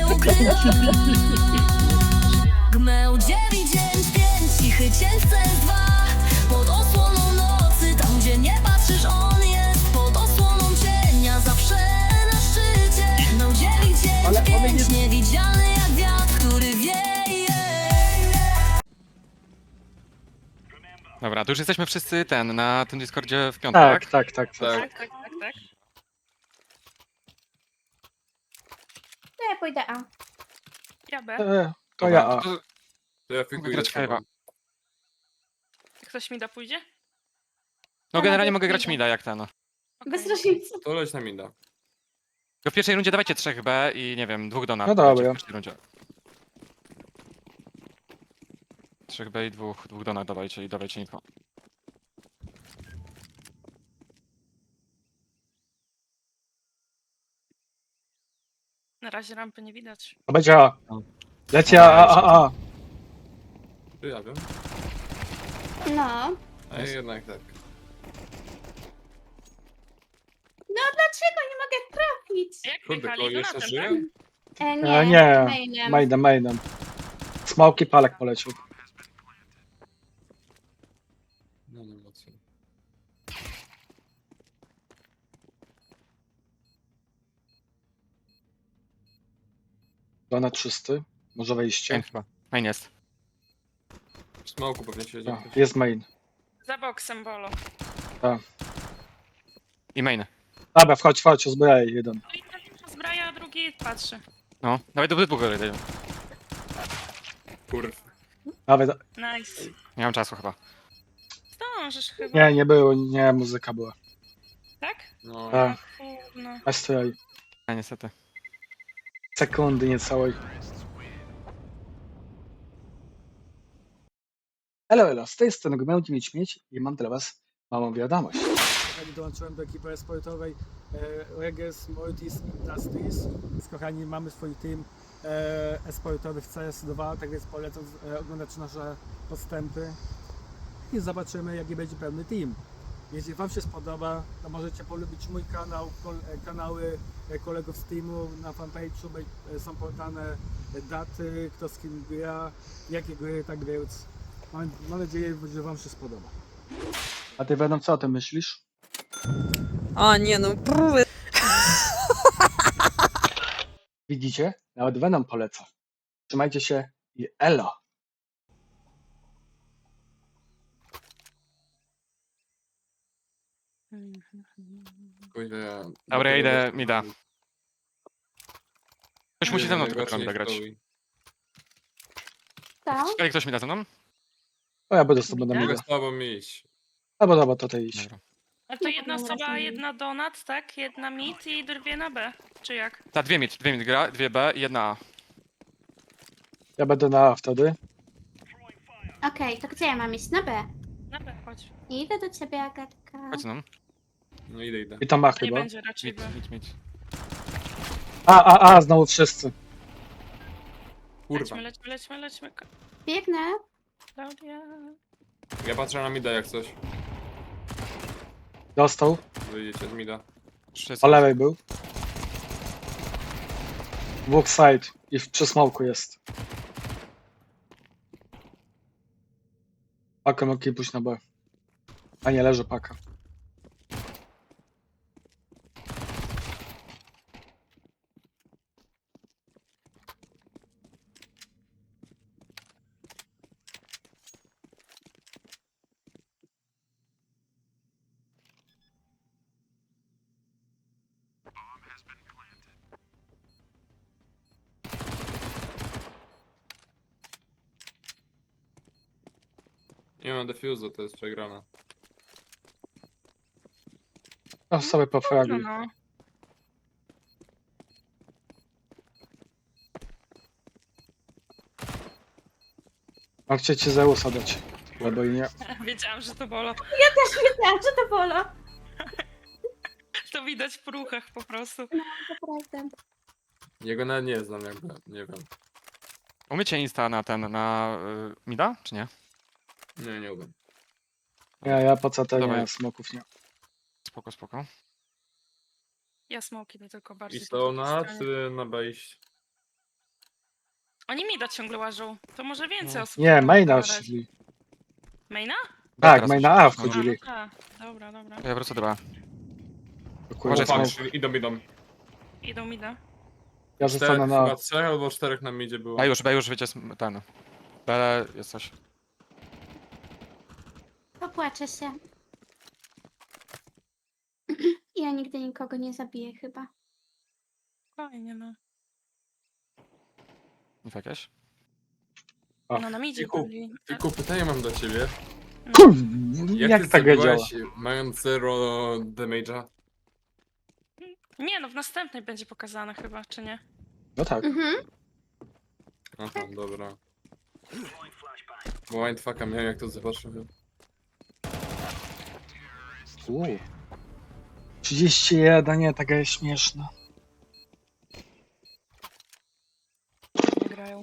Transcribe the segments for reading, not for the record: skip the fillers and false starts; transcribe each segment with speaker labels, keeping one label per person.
Speaker 1: Gmeł 995, cichy cień w CS2. Pod osłoną nocy, tam gdzie nie patrzysz, on jest. Pod osłoną cienia, zawsze na szczycie. Gmeł 995, niewidzialny jak wiatr, który wieje.
Speaker 2: Dobra, to już jesteśmy wszyscy na tym Discordzie w piątek, tak?
Speaker 3: Tak.
Speaker 4: Tak.
Speaker 5: To ja pójdę A.
Speaker 4: Ja B.
Speaker 3: To
Speaker 2: Dobra,
Speaker 3: ja A.
Speaker 2: to
Speaker 6: To ja
Speaker 2: mogę
Speaker 6: fikuję
Speaker 2: grać
Speaker 6: z tobą.
Speaker 2: Kajwa.
Speaker 4: Ktoś mi da pójdzie?
Speaker 2: No generalnie
Speaker 5: nawet
Speaker 2: mogę grać
Speaker 5: idę.
Speaker 2: mida jak ten.
Speaker 5: Bez różnicy.
Speaker 6: To leć na mida.
Speaker 2: To w pierwszej rundzie dawajcie 3B i nie wiem, 2 donat.
Speaker 3: No dobra.
Speaker 2: dajcie w pierwszej rundzie. 3B i 2 donat dawajcie i dawajcie info.
Speaker 4: Na razie rampy nie widać.
Speaker 3: To będzie A. Leci A.
Speaker 6: Czy ja wiem?
Speaker 5: No.
Speaker 6: A jednak tak.
Speaker 5: No dlaczego nie mogę trafić?
Speaker 4: Jak
Speaker 6: Kurde,
Speaker 4: jechali
Speaker 6: koło jeszcze
Speaker 4: donatem,
Speaker 6: żyje?
Speaker 5: Nie,
Speaker 3: Nie.
Speaker 5: mainem.
Speaker 3: Mainem. Smoki palek polecił.
Speaker 6: No nie mocno.
Speaker 3: Donat czysty. Może wejście.
Speaker 2: Main chyba. Main jest.
Speaker 6: W smoku pewnie siedzi.
Speaker 3: Jest main.
Speaker 4: Za boksem bolo.
Speaker 2: I main.
Speaker 3: Dobra, wchodź, uzbraj jeden.
Speaker 4: No i ten zbraja, a drugi patrzy.
Speaker 2: No, dawaj do dwóch dajemy.
Speaker 6: Kurwa.
Speaker 3: Nawet,
Speaker 4: Nice.
Speaker 2: Nie mam czasu chyba.
Speaker 4: Zdążysz chyba.
Speaker 3: nie było, nie, muzyka była.
Speaker 4: Tak?
Speaker 6: No.
Speaker 3: A,
Speaker 4: Kurno.
Speaker 3: Astraj.
Speaker 2: A niestety.
Speaker 3: Sekundy niecałej. Elo, z tej strony Gmełdzi Mieć i mam dla was małą wiadomość.
Speaker 7: Kochani, dołączyłem do ekipy e-sportowej Regis Mortis Industries. Więc kochani, mamy swój team e-sportowy w CS2, tak więc polecam oglądać nasze postępy i zobaczymy, jaki będzie pełny team. Jeśli wam się spodoba, to możecie polubić mój kanał, kanały kolegów z teamu. Na fanpage'u są podane daty, kto z kim gra, jakie gry, tak więc mam nadzieję, że wam się spodoba.
Speaker 3: A ty Venom, co o tym myślisz?
Speaker 8: A nie no, próby.
Speaker 3: Widzicie? Nawet Venom poleca. Trzymajcie się i elo!
Speaker 6: Kurde, ja...
Speaker 2: Dobra, ja idę mida. Ktoś
Speaker 6: Nie
Speaker 2: musi ze mną
Speaker 6: wiem,
Speaker 2: tylko
Speaker 6: najbardziej
Speaker 2: grać.
Speaker 6: stoły.
Speaker 5: To?
Speaker 2: Ale ktoś mi da ze mną?
Speaker 3: O, ja będę z tobą na
Speaker 6: Mogę
Speaker 3: mida.
Speaker 6: z tobą iść.
Speaker 3: Albo dobra, to ty iść.
Speaker 2: Dobra.
Speaker 4: A to
Speaker 5: No,
Speaker 4: jedna
Speaker 5: to
Speaker 4: osoba,
Speaker 5: rozumiem.
Speaker 4: jedna donat, tak? Jedna mid i dwie na B. Czy jak?
Speaker 2: Ta, dwie mid gra, 2B i 1A.
Speaker 3: Ja będę na A wtedy.
Speaker 5: Okej, to gdzie ja mam iść? Na B.
Speaker 4: Na B, chodź.
Speaker 5: Idę do ciebie, Agatka.
Speaker 2: Chodź no.
Speaker 6: No idę.
Speaker 3: I tam A
Speaker 4: Nie
Speaker 3: chyba.
Speaker 4: będzie raczej B.
Speaker 2: Mid.
Speaker 3: A, znowu wszyscy.
Speaker 6: Kurwa.
Speaker 4: Lećmy.
Speaker 5: Biegnę.
Speaker 4: Klaudia.
Speaker 6: Ja patrzę na mida jak coś.
Speaker 3: Dostał.
Speaker 6: Wyjdziecie z mida.
Speaker 2: Wszyscy.
Speaker 3: Po lewej był. Dwóch side. I przy smoku jest. Pakę mogę pójść na B. A nie, leży paka.
Speaker 6: Nie mam defuse'u, to jest przegrana.
Speaker 3: No sobie
Speaker 4: No,
Speaker 3: pofraguj.
Speaker 4: no.
Speaker 3: A chcecie Zeusa dać. Albo i nie.
Speaker 4: Wiedziałam, że to bolo.
Speaker 5: Też wiedziałam, że to bolo.
Speaker 4: To widać w ruchach po prostu.
Speaker 5: To prawda.
Speaker 6: Jego nawet nie znam jakby, nie wiem.
Speaker 2: Umiecie insta na mida, czy nie?
Speaker 6: Nie umiem.
Speaker 3: Ja po CT nie,
Speaker 2: Dawaj.
Speaker 3: smoków nie.
Speaker 2: Spoko.
Speaker 4: Ja smoki to tylko
Speaker 6: I
Speaker 4: bardziej.
Speaker 6: stał
Speaker 4: po
Speaker 6: na
Speaker 4: drugiej stronie.
Speaker 6: czy na B iść?
Speaker 4: Oni mida ciągle łażą. To może więcej osób.
Speaker 3: Nie,
Speaker 4: tam
Speaker 3: maina
Speaker 4: pogadać.
Speaker 3: szli.
Speaker 4: Maina?
Speaker 3: Tak,
Speaker 2: Teraz
Speaker 3: maina
Speaker 2: już-
Speaker 3: A
Speaker 2: no,
Speaker 3: wchodzili.
Speaker 4: A, dobra, dobra.
Speaker 2: Ja wrócę do B.
Speaker 3: Kurde,
Speaker 2: Uważaj,
Speaker 3: smoke.
Speaker 6: Idą.
Speaker 4: Idą mida.
Speaker 3: Ja zostanę na...
Speaker 6: Chyba 3 albo 4 na midzie było.
Speaker 2: B już, wiecie, ten. B jest coś.
Speaker 5: Popłaczę się. Ja nigdy nikogo nie zabiję chyba.
Speaker 4: Fajnie, no.
Speaker 2: Jakieś?
Speaker 3: O.
Speaker 4: No na midzie
Speaker 6: Fiku,
Speaker 4: byli.
Speaker 6: Fiku, pytanie mam do ciebie.
Speaker 3: Kurde,
Speaker 6: Jak
Speaker 3: jak
Speaker 6: ty
Speaker 3: ta gra działa?
Speaker 6: zabiłaś, mając 0 damage'a?
Speaker 4: Nie no, w następnej będzie pokazane chyba, czy nie?
Speaker 3: No tak.
Speaker 5: Mhm.
Speaker 6: Aha, dobra. Bo mindfucka miałem jak to zobaczyłem.
Speaker 3: 31, nie, taka jest śmieszna.
Speaker 4: Nie grają.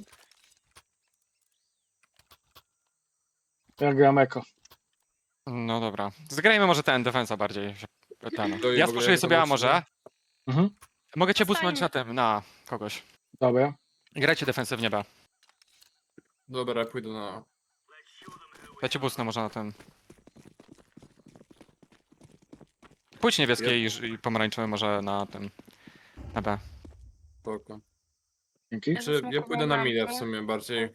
Speaker 3: Ja gram eko.
Speaker 2: No dobra. Zgrajmy może ten, defensa bardziej. Ten.
Speaker 6: To i
Speaker 2: Ja
Speaker 6: w ogóle
Speaker 2: spuszuję
Speaker 6: jak
Speaker 2: sobie A
Speaker 6: zobaczymy-
Speaker 2: może.
Speaker 3: Mhm.
Speaker 2: Mogę cię
Speaker 4: Zostańmy.
Speaker 2: busnąć na tym, na kogoś.
Speaker 3: Dobra.
Speaker 2: Grajcie defensywnie B.
Speaker 6: Dobra, pójdę na...
Speaker 2: Ja cię busnę może na ten. Pójdź niebieskie i pomarańczowy może na tym. Na B.
Speaker 6: Spoko.
Speaker 3: Dzięki.
Speaker 4: Ja
Speaker 6: Czy ja
Speaker 4: zasmokowałam
Speaker 6: pójdę na midę w
Speaker 4: rampę.
Speaker 6: sumie bardziej.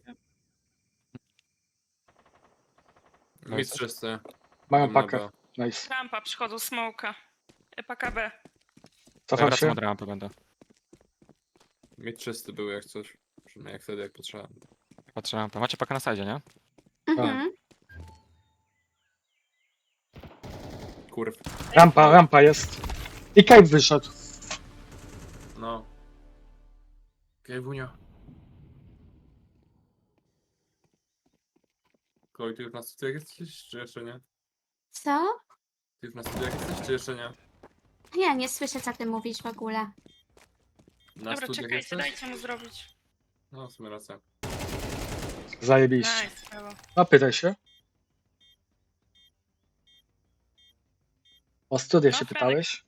Speaker 2: No
Speaker 6: Mid
Speaker 2: jesteś?
Speaker 6: czysty.
Speaker 3: Mają
Speaker 6: Idę na
Speaker 3: pakę.
Speaker 6: B.
Speaker 3: Nice.
Speaker 4: Rampa, przychodzą smoka. Paka B.
Speaker 2: Ja
Speaker 3: Cofam
Speaker 2: wracam
Speaker 3: się.
Speaker 2: od rampy będę.
Speaker 6: Mid czysty był jak coś. Przynajmniej jak wtedy jak potrzeba.
Speaker 2: Patrzę rampę. Macie pakę na sajdzie, nie?
Speaker 5: Mhm.
Speaker 6: Kurw.
Speaker 3: Rampa jest. I Kate wyszedł.
Speaker 6: No. Kejwunia. Chloe, ty już na studiach jesteś, czy jeszcze nie?
Speaker 5: Co?
Speaker 6: Ty już na studiach jesteś, czy jeszcze nie?
Speaker 5: Ja nie słyszę, co ty mówisz w ogóle.
Speaker 6: Na
Speaker 4: Dobra,
Speaker 6: studiach
Speaker 4: czekajcie,
Speaker 6: jesteś?
Speaker 4: dajcie mu zrobić.
Speaker 6: No, w sumie racja.
Speaker 3: Zajebiście.
Speaker 4: Nice, brawo.
Speaker 3: No pytaj się. O studia
Speaker 4: No,
Speaker 3: się
Speaker 4: Franek.
Speaker 3: pytałeś?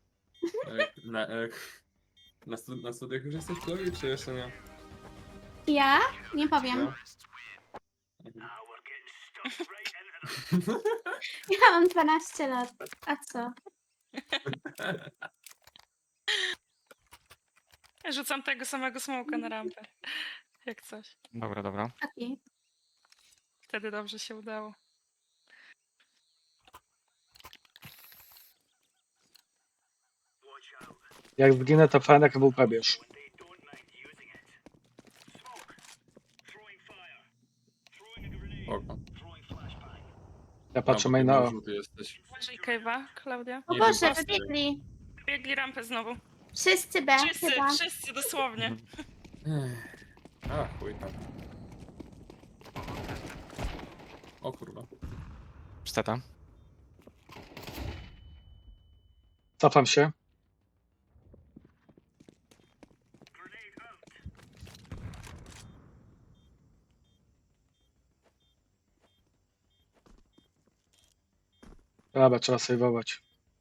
Speaker 6: Na studiach już jesteś, Chloe, czy jeszcze nie?
Speaker 5: Ja? Nie powiem.
Speaker 6: No. Mhm.
Speaker 5: Ja mam 12 lat. A co?
Speaker 4: Rzucam tego samego smoka na rampę. Jak coś.
Speaker 2: Dobra, dobra.
Speaker 5: Okej.
Speaker 4: Wtedy dobrze się udało.
Speaker 3: Jak zginę, to Franek WP bierz.
Speaker 6: Spoko.
Speaker 3: Ja patrzę
Speaker 6: No,
Speaker 3: main na O.
Speaker 6: żółty jesteś.
Speaker 4: Uważaj Kejwa, Klaudia.
Speaker 5: O
Speaker 6: Nie
Speaker 5: Boże,
Speaker 6: wypasty.
Speaker 5: wybiegli.
Speaker 4: Biegli rampę znowu.
Speaker 5: Wszyscy B
Speaker 4: Wszyscy,
Speaker 5: chyba.
Speaker 4: wszyscy dosłownie.
Speaker 6: A, chuj tam. O kurwa.
Speaker 2: Pszteta.
Speaker 3: Cofam się. Dobra, trzeba sejwować.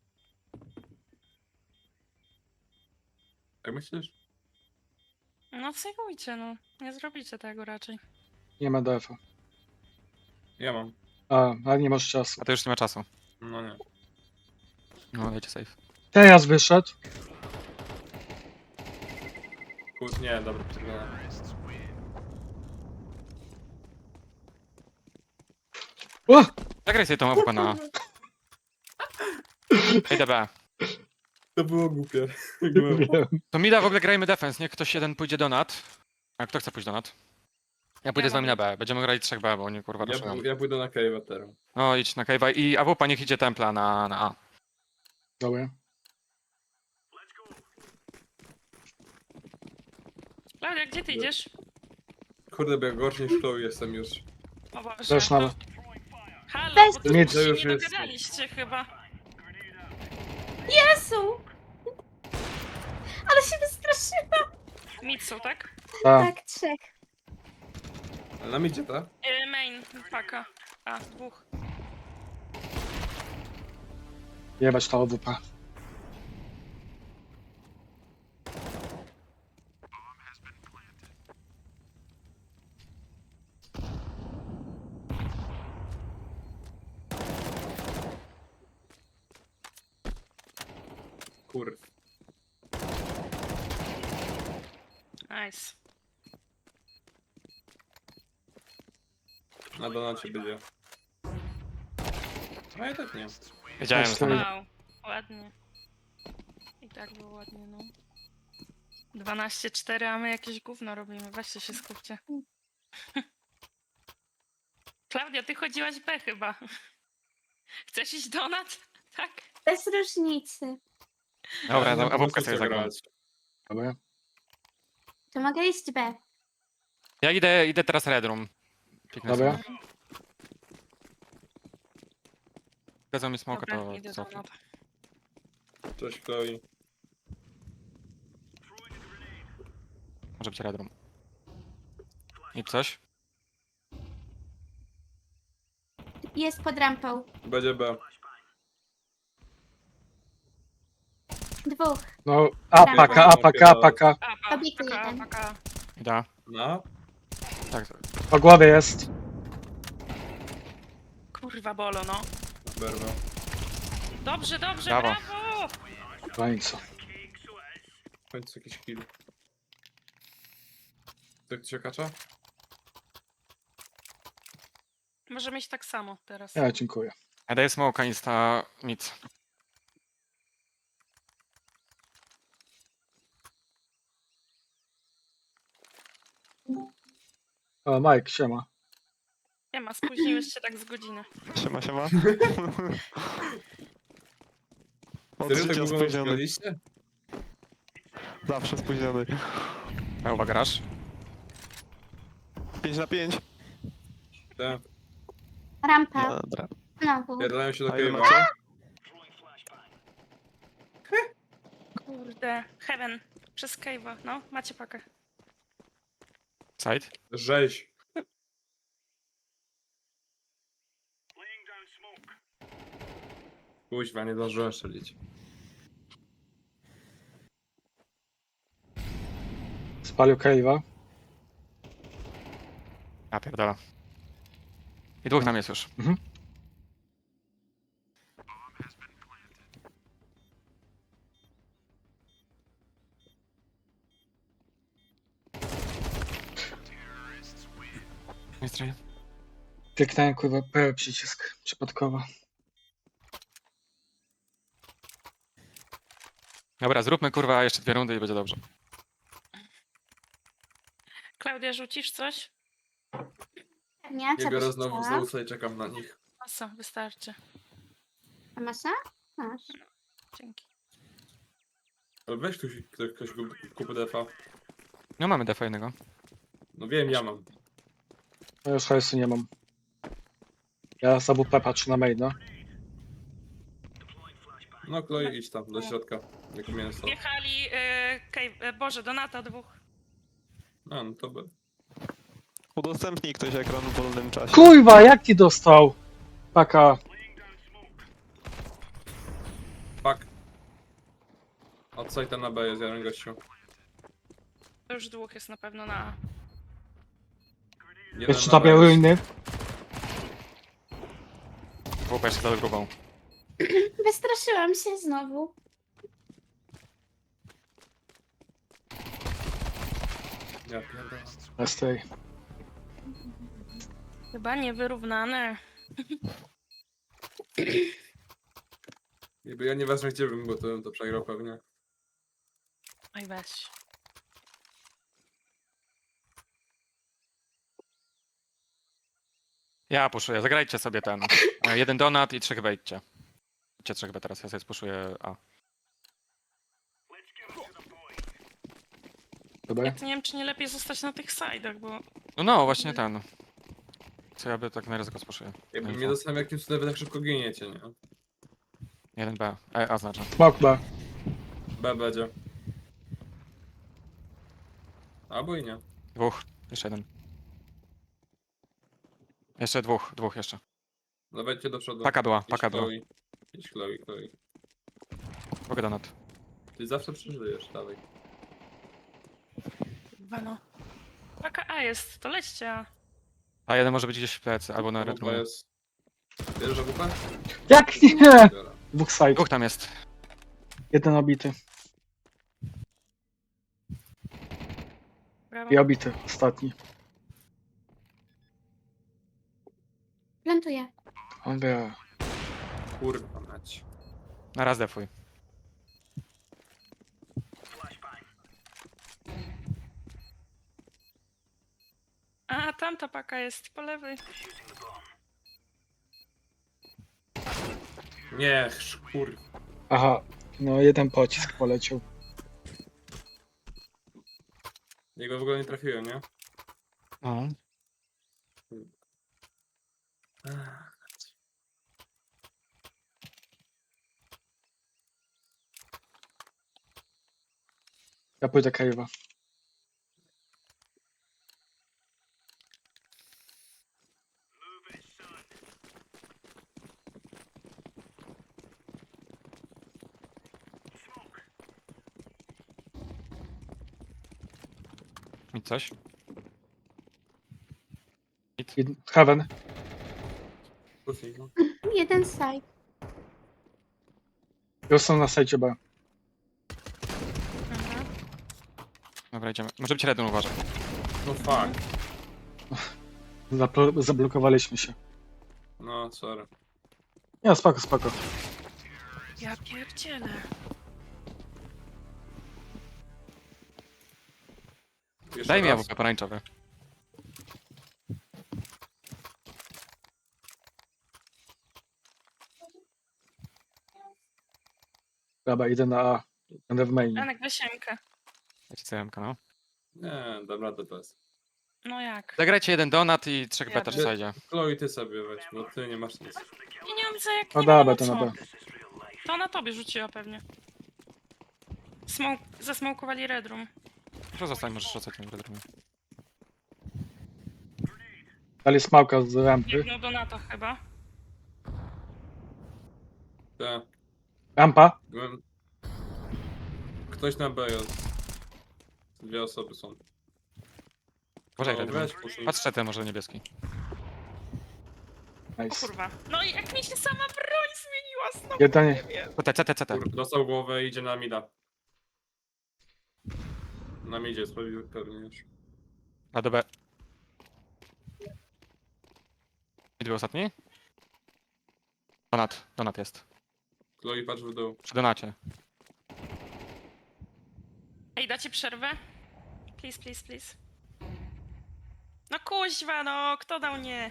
Speaker 6: Jak myślisz?
Speaker 4: No sejwujcie, no. Nie zrobicie tego raczej.
Speaker 3: Nie ma DF-a.
Speaker 6: Ja mam.
Speaker 3: Ale nie masz czasu.
Speaker 2: A to już nie ma czasu.
Speaker 6: No nie.
Speaker 2: No, dajcie safe.
Speaker 3: Teraz wyszedł.
Speaker 6: Kurde, nie, dobra, przegrałem.
Speaker 3: O!
Speaker 2: Zagraj sobie tą AWP na A. Idę B.
Speaker 6: To było głupie.
Speaker 3: Wiem.
Speaker 2: To mida w ogóle grajmy defense, niech ktoś jeden pójdzie do NAT. A kto chce pójść do NAT? Ja pójdę
Speaker 4: Ja
Speaker 2: z wami na
Speaker 4: mogę.
Speaker 2: B. Będziemy grali 3B, bo oni kurwa ruszyłem.
Speaker 6: Ja pójdę na Cave'a teraz.
Speaker 2: No idź na Cave'a i AWP niech idzie templa na A.
Speaker 3: Dobra.
Speaker 4: Klaudia, gdzie ty idziesz?
Speaker 6: Kurde, bo ja gorszy niż Chloe jestem już.
Speaker 4: O Boże,
Speaker 3: Też na-
Speaker 4: to... Halo,
Speaker 5: Weź-
Speaker 4: bo tu
Speaker 3: Nic.
Speaker 4: się
Speaker 6: To już
Speaker 4: nie
Speaker 6: jest-
Speaker 4: dogadaliście chyba.
Speaker 5: Jezu! Ale się wystraszyłam.
Speaker 4: Mitsu, tak?
Speaker 3: Tak.
Speaker 5: Tak, 3.
Speaker 6: Ale nam idzie, tak?
Speaker 4: Main, paka. A, dwóch.
Speaker 3: Jebać to OWP.
Speaker 6: Kur...
Speaker 4: Nice.
Speaker 6: Na donacie będzie. A ja tak nie.
Speaker 2: Wiedziałem, że tam
Speaker 4: Wow, ładnie. I tak było ładnie, no. 12-4, a my jakieś gówno robimy. Weźcie się skupcie. Klaudia, ty chodziłaś B chyba. Chcesz iść donat? Tak.
Speaker 5: Bez różnicy.
Speaker 2: Dobra,
Speaker 6: Ja nie
Speaker 2: a
Speaker 6: mam
Speaker 2: wódkę
Speaker 6: po co
Speaker 2: sobie zagram.
Speaker 6: grać.
Speaker 3: Dobra.
Speaker 5: To mogę iść B.
Speaker 2: Ja idę teraz Red Room. Piknę
Speaker 3: Dobra.
Speaker 2: sobie. Dadzą mi smoka,
Speaker 4: Dobra,
Speaker 2: to
Speaker 4: idę
Speaker 2: cofnę.
Speaker 4: donat.
Speaker 6: Cześć Chloe.
Speaker 2: Może być Red Room. I coś?
Speaker 5: Jest pod rampą.
Speaker 6: Będzie B.
Speaker 5: Dwóch.
Speaker 3: No, apaka.
Speaker 4: Apa,
Speaker 5: Obity
Speaker 4: paka,
Speaker 5: jeden.
Speaker 4: paka.
Speaker 2: Idę.
Speaker 6: No.
Speaker 2: Tak.
Speaker 3: Po głowie jest.
Speaker 4: Kurwa bolo, no.
Speaker 6: Berwa.
Speaker 4: Dobrze, dobrze,
Speaker 2: Brawo.
Speaker 4: brawo!
Speaker 3: W końcu.
Speaker 6: W końcu jakiś kill. Tak się kacza?
Speaker 4: Może mieć tak samo teraz.
Speaker 3: Ja dziękuję.
Speaker 2: Ja daję smoka insta mid.
Speaker 3: O, Mike, siema.
Speaker 4: Nie ma, spóźniłeś się tak z godziny.
Speaker 9: Siema, siema. Od
Speaker 6: Serio tak
Speaker 9: życia
Speaker 6: długo
Speaker 9: spóźniony.
Speaker 6: graliście?
Speaker 9: Zawsze spóźniony.
Speaker 2: A uwaga, grasz?
Speaker 9: 5 na 5.
Speaker 6: Tak.
Speaker 5: Rampa.
Speaker 9: Dobra.
Speaker 5: Znowu.
Speaker 6: Pierdalają się do
Speaker 9: A ile
Speaker 6: cave'a.
Speaker 9: macie?
Speaker 4: Kurde. Heaven. Przez cave'a. No, macie pakę.
Speaker 2: Side?
Speaker 6: Rzeź. Kuźwa, nie zdążyłem strzelić.
Speaker 3: Spalił Cave'a.
Speaker 2: Ja pierdolę. I dwóch tam jest już.
Speaker 3: Mhm.
Speaker 2: Mistrz.
Speaker 3: Kliknąłem kurwa P przycisk przypadkowo.
Speaker 2: Dobra, zróbmy kurwa jeszcze 2 rundy i będzie dobrze.
Speaker 4: Klaudia, rzucisz coś?
Speaker 5: Nie, co
Speaker 6: Ja biorę
Speaker 5: byś
Speaker 6: znowu
Speaker 5: chciała?
Speaker 6: Zeusa i czekam na nich.
Speaker 4: Masa, wystarczy.
Speaker 5: A masa? Masz.
Speaker 4: Dzięki.
Speaker 6: Ale weź ktoś kupy defa.
Speaker 2: No mamy defa jednego.
Speaker 6: No wiem, ja mam.
Speaker 3: Ja już hajsu nie mam. Ja z AWP patrzę na main, no.
Speaker 6: No Chloe, idź tam, do środka. Jak mięso.
Speaker 4: Jechali, Boże, Donata dwóch.
Speaker 6: A, no to by.
Speaker 9: Udostępnij ktoś ekran w wolnym czasie.
Speaker 3: Kurwa, jak ci dostał? Paka.
Speaker 6: Fuck. Odside na B jest jeden gościu.
Speaker 4: To już dwóch jest na pewno na A.
Speaker 6: Jeden
Speaker 3: Jeszcze
Speaker 6: na
Speaker 3: tobie
Speaker 6: B jest.
Speaker 3: ruiny.
Speaker 2: Dwóch jeszcze za grubą.
Speaker 5: Wystraszyłam się znowu.
Speaker 6: Ja pierdolę.
Speaker 3: Z tej.
Speaker 4: Chyba niewyrównane.
Speaker 6: Jakby ja nie wezmę gdzie bym, bo to bym to przegrał pewnie.
Speaker 4: Oj, weź.
Speaker 2: Ja puszuję, zagrajcie sobie ten. 1 donat i 3 wejdźcie. Idźcie 3 teraz, ja sobie spuszuję A.
Speaker 3: Dobra.
Speaker 4: Ja to nie wiem, czy nie lepiej zostać na tych side'ach, bo...
Speaker 2: No, właśnie ten. Co ja by tak na ryzyko spuszuję.
Speaker 6: Jakby
Speaker 2: Info.
Speaker 6: mnie dostałem jakim cudem wy tak szybko giniecie, nie?
Speaker 2: 1B. A znaczy.
Speaker 3: Smok B.
Speaker 6: B będzie. Albo i nie.
Speaker 2: Dwóch. Jeszcze jeden. Jeszcze dwóch jeszcze.
Speaker 6: No wejdźcie do przodu.
Speaker 2: Paka była,
Speaker 6: Idź
Speaker 2: paka była.
Speaker 6: Chloe. Idź Chloe.
Speaker 2: Mogę donat.
Speaker 6: Ty zawsze przeżyjesz, dalej.
Speaker 4: Chyba no. Taka A jest, to lećcie A.
Speaker 2: A jeden może być gdzieś w plecy, albo na
Speaker 6: AWP
Speaker 2: retrumie.
Speaker 6: jest. Bierzesz AWP?
Speaker 3: Jak nie?
Speaker 6: Biorę.
Speaker 3: Dwóch side.
Speaker 2: Dwóch tam jest.
Speaker 3: Jeden obity.
Speaker 4: Brawo.
Speaker 3: I obity. Ostatni.
Speaker 5: Plantuję.
Speaker 3: Dobra.
Speaker 6: Kurwa mać.
Speaker 2: Na raz defuj.
Speaker 4: A, tamta paka jest po lewej.
Speaker 6: Nie, kurwa.
Speaker 3: Aha. No jeden pocisk poleciał.
Speaker 6: Jego w ogóle nie trafiłem, nie?
Speaker 2: No.
Speaker 3: Ja pójdę Cave'a.
Speaker 2: I coś?
Speaker 3: Heaven.
Speaker 6: Kuchni, no.
Speaker 5: Jeden side.
Speaker 3: Już są na sajcie B.
Speaker 4: Aha.
Speaker 2: Dobra, idziemy. Może być redun, uważaj.
Speaker 6: No fuck.
Speaker 3: Zablokowaliśmy się.
Speaker 6: No, sorry.
Speaker 3: Nie, spoko, spoko.
Speaker 4: Ja pierdzielę.
Speaker 6: Jeszcze
Speaker 2: Daj mi
Speaker 6: raz.
Speaker 2: AWP pomarańczowy.
Speaker 3: Dobra, idę na A. Będę w mainie.
Speaker 4: Janek, weź Mkę.
Speaker 2: Dajcie CMK, no.
Speaker 6: Nie, dam radę bez.
Speaker 4: No jak?
Speaker 2: Zagrajcie jeden donat i 3
Speaker 4: Ja
Speaker 2: beta w
Speaker 4: wiem.
Speaker 2: sajdzie.
Speaker 6: Chloe, ty sobie weź, bo ty nie masz nic.
Speaker 4: Ja nie mam za jak
Speaker 3: No
Speaker 4: nie mam
Speaker 3: dobra,
Speaker 4: na
Speaker 3: to na
Speaker 4: co.
Speaker 3: B.
Speaker 4: To na tobie rzuciła pewnie. Zasmokowali Red Room.
Speaker 2: Proszę zostań, możesz rzucać ten redrum.
Speaker 3: Dali smałka z rampy.
Speaker 4: Biegną do NATO chyba.
Speaker 6: Tak.
Speaker 3: Rampa.
Speaker 6: Ktoś na B jest. Dwie osoby są.
Speaker 2: Uważaj,
Speaker 6: No,
Speaker 2: redrum.
Speaker 6: weź, puszuj.
Speaker 2: Patrz ten może niebieski.
Speaker 4: O
Speaker 3: Nice.
Speaker 4: kurwa. No i jak mi się sama broń zmieniła znowu.
Speaker 3: Jeden.
Speaker 4: Nie wiem.
Speaker 2: CT.
Speaker 6: Dostał głowę i idzie na mida. Na midzie jest pewnie już.
Speaker 2: A do B. I był ostatni? Donat jest.
Speaker 6: Chloe, patrz w dół.
Speaker 2: Przy donacie.
Speaker 4: Ej, dacie przerwę? Please, please, please. No kuźwa, no, kto dał nie?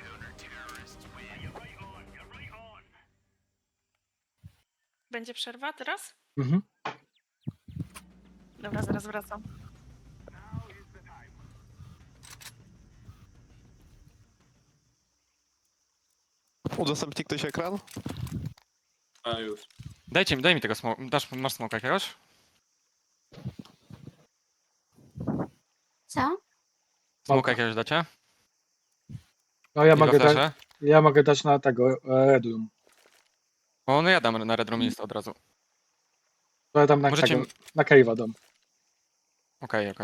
Speaker 4: Będzie przerwa teraz?
Speaker 3: Mhm.
Speaker 4: Dobra, zaraz wracam.
Speaker 9: Udostępni ktoś ekran?
Speaker 6: A już.
Speaker 2: Daj mi tego smoka. Masz smoka jakiegoś?
Speaker 5: Co?
Speaker 2: Smoka jakiegoś dacie?
Speaker 3: No ja
Speaker 2: Dwa
Speaker 3: mogę,
Speaker 2: flesze?
Speaker 3: ja mogę dać na tego Red Room.
Speaker 2: O, no ja dam na redrum list od razu.
Speaker 3: To ja dam na
Speaker 2: Możecie-
Speaker 3: tego, na Cave'a dam.
Speaker 2: Okej.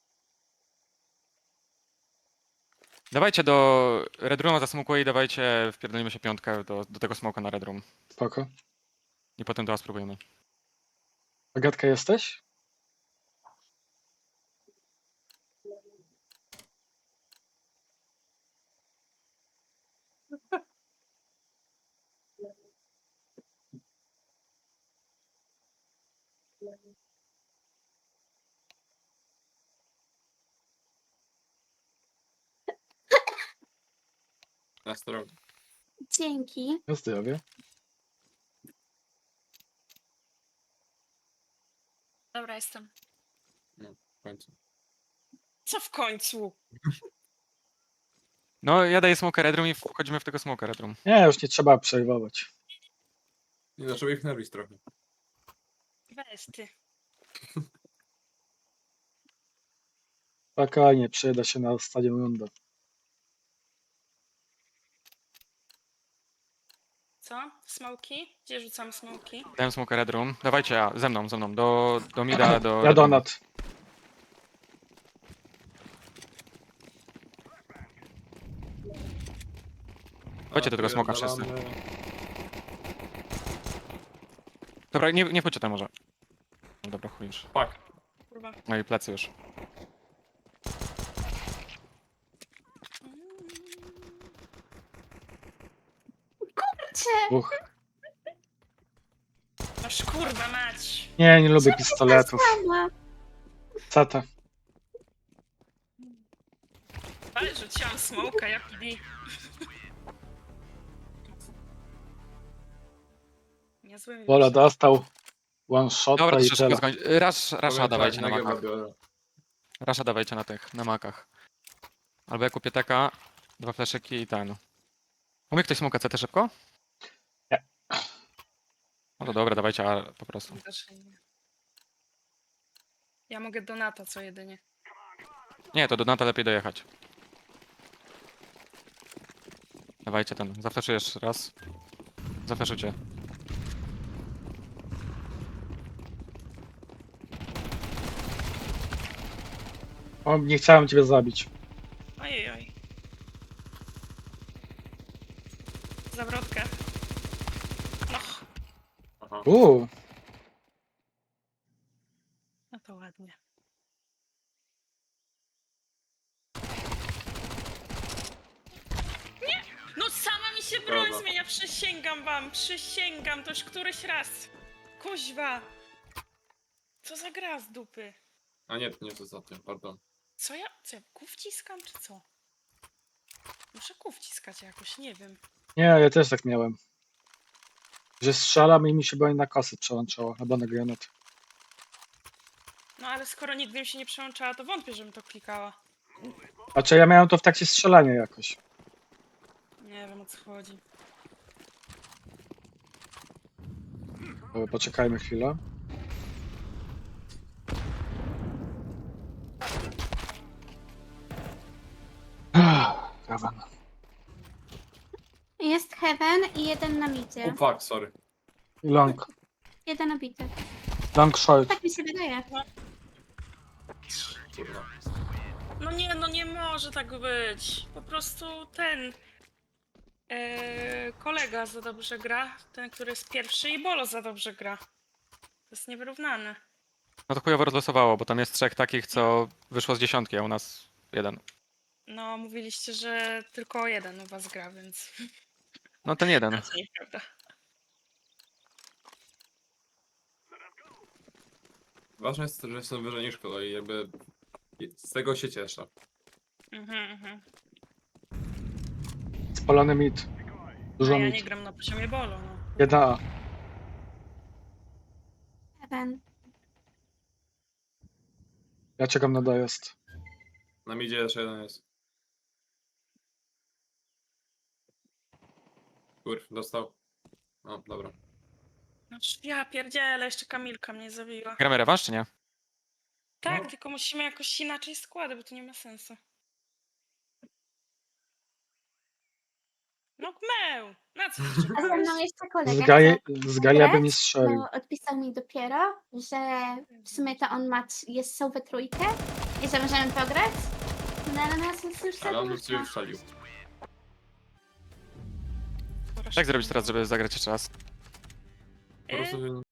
Speaker 2: Dawajcie do redruma zasmukuję i dawajcie, wpierdolimy się piątkę do tego smoka na redrum.
Speaker 3: Spoko.
Speaker 2: I potem do was spróbujemy.
Speaker 3: Agatka jesteś?
Speaker 6: Na stronę.
Speaker 5: Dzięki.
Speaker 3: Na zdrowie.
Speaker 4: Dobra, jestem.
Speaker 6: W końcu.
Speaker 4: Co w końcu?
Speaker 2: No, ja daję smoka redrum i wchodzimy w tego smoka redrum.
Speaker 3: Nie, już nie trzeba przejmować.
Speaker 6: Nie, zaczęło ich nerwić trochę.
Speaker 4: Weź ty.
Speaker 3: Spokojnie, przyda się na stadion runda.
Speaker 4: Co? Smoki? Gdzie rzucam smoki?
Speaker 2: Dałem smoka redrum. Dawajcie, ze mną. Do mida, do
Speaker 3: Ja
Speaker 2: redrum.
Speaker 3: donat.
Speaker 2: Chodźcie do tego smoka wszyscy.
Speaker 6: Nawalamy.
Speaker 2: Dobra, Dobra, nie wchodźcie tam może. No dobra, chuj już.
Speaker 6: Fuck.
Speaker 4: Kurwa.
Speaker 2: No i plecy już.
Speaker 5: Cze,
Speaker 3: Dwóch.
Speaker 4: Aż kurwa mać.
Speaker 3: Nie lubię pistoletów.
Speaker 5: sama.
Speaker 3: Cata.
Speaker 4: Ale rzuciłam smoka, jak i Niezły
Speaker 3: Wola dostał one shota
Speaker 2: Dobra, to
Speaker 3: i
Speaker 2: szybko
Speaker 3: tyle.
Speaker 2: skończ. Rasza dawajcie na makach. Rasza dawajcie na tych, na makach. Albo ja kupię taka, 2 fleszyki i ten. Umie ktoś smoka CT szybko?
Speaker 3: Nie.
Speaker 2: No to dobra, dawajcie A po prostu.
Speaker 4: Ja mogę Donata co jedynie.
Speaker 2: Nie, to do Nata lepiej dojechać. Dawajcie ten, zafleszuję jeszcze raz. Zafleszujcie.
Speaker 3: O, nie chciałem ciebie zabić.
Speaker 4: Ojej. Zawrotkę. No,
Speaker 6: Aha.
Speaker 4: no to ładnie. Nie! No sama mi się broń
Speaker 6: Dobra.
Speaker 4: zmienia, przysięgam wam, przysięgam, to już któryś raz. Kuźwa! Co za gra z dupy?
Speaker 6: A nie, to nie to za tym, pardon.
Speaker 4: Co ja kół wciskam, czy co? Muszę kół wciskać jakoś, nie wiem.
Speaker 3: Nie, ja też tak miałem. Że strzelam i mi się broń na kosy przełączało, albo na granat.
Speaker 4: No ale skoro nigdy mi się nie przełączała, to wątpię, żebym to klikała.
Speaker 3: Znaczy ja miałem to w trakcie strzelania jakoś.
Speaker 4: Nie wiem, o co chodzi.
Speaker 3: Dobra, poczekajmy chwilę. Heaven.
Speaker 5: Jest Heaven i jeden na
Speaker 6: O
Speaker 5: midzie.
Speaker 6: fuck, sorry.
Speaker 3: Long.
Speaker 5: Jeden obity.
Speaker 3: Long short.
Speaker 5: Tak mi się wydaje.
Speaker 6: Kurwa.
Speaker 4: No nie może tak być. Po prostu ten kolega za dobrze gra, ten, który jest pierwszy i Bolo za dobrze gra. To jest niewyrównane.
Speaker 2: No to chujowo rozlosowało, bo tam jest 3 takich, co wyszło z 10, a u nas 1.
Speaker 4: No, mówiliście, że tylko jeden u was gra, więc
Speaker 2: No ten 1.
Speaker 4: to nieprawda.
Speaker 6: Ważne jest, że jestem wyżej niż kolej, jakby z tego się cieszę.
Speaker 4: Mhm.
Speaker 3: Spalony mid.
Speaker 4: A
Speaker 3: Dużo
Speaker 4: ja
Speaker 3: mid.
Speaker 4: nie gram na poziomie Bolo, no.
Speaker 3: 1A.
Speaker 5: Heaven.
Speaker 3: Ja czekam na dojazd.
Speaker 6: Na midzie jeszcze jeden jest. Kurw, dostał. No, dobra.
Speaker 4: Znaczy, ja pierdzielę, jeszcze Kamilka mnie zabiła.
Speaker 2: Gramy rewanż, czy nie?
Speaker 4: Tak,
Speaker 6: No.
Speaker 4: tylko musimy jakoś inaczej składy, bo to nie ma sensu. No gmeł! Na co jeszcze
Speaker 5: A ze mną jeszcze kolega.
Speaker 3: Z Gaja by nie
Speaker 5: grać,
Speaker 3: strzelił.
Speaker 5: bo odpisał mi dopiero, że w sumie to on ma, są we trójkę i że możemy pograć. No ale nas jest już za
Speaker 6: Ale on
Speaker 5: dużo.
Speaker 6: już ciebie wszalił.
Speaker 2: Jak zrobić teraz, żeby zagrać jeszcze raz?
Speaker 6: Po prostu